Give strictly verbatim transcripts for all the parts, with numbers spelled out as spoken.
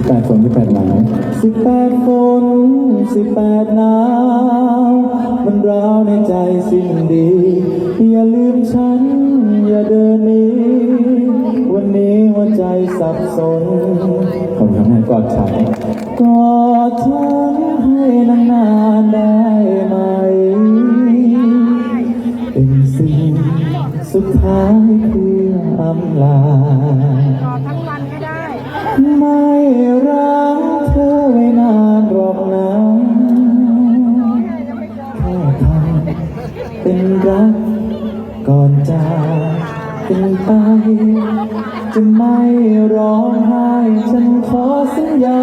แปดฝนสิบแปดหนาวสิบแปดฝนสิบแปดหนาวมันร้าวในใจสิ้นดีอย่าลืมฉันอย่าเดินหนีวันนี้หัวใจสับสนผมทำให้กอดฉันกอดฉันให้นานๆได้ไหมเป็นสิ่งสุดท้ายเพื่ออำลาทั้งวันก็ได้ไม่รักเธอไว้นานหรอกนะแค่ทำเป็นรักก่อนจากเป็นไปจะไม่ร้องไห้ฉันขอสัญญา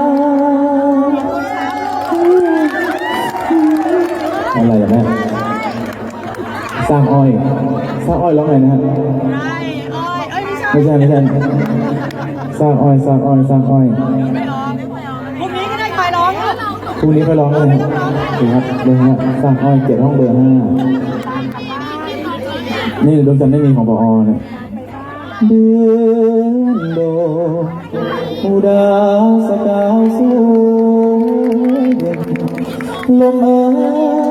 อะไรอย่างนี้สร้างอ้อยสร้างอ้อยร้องไงนะฮะไม่ใช่ไม่ใช่สร้างอ้อยสร้างอ้อยสร้างอ้อยไม่ร้องพรุ่งนี้ก็ได้คอยร้องพรุ่งนี้ไปร้องเลยครับเดี๋ยวฮะสร้างอ้อยเจ็ดห้องเบอร์ห้านี่ดวงจันทร์ไม่มีของปอเนี่ยเดือนโดอุดาสกาวสวยลมเอ๋ย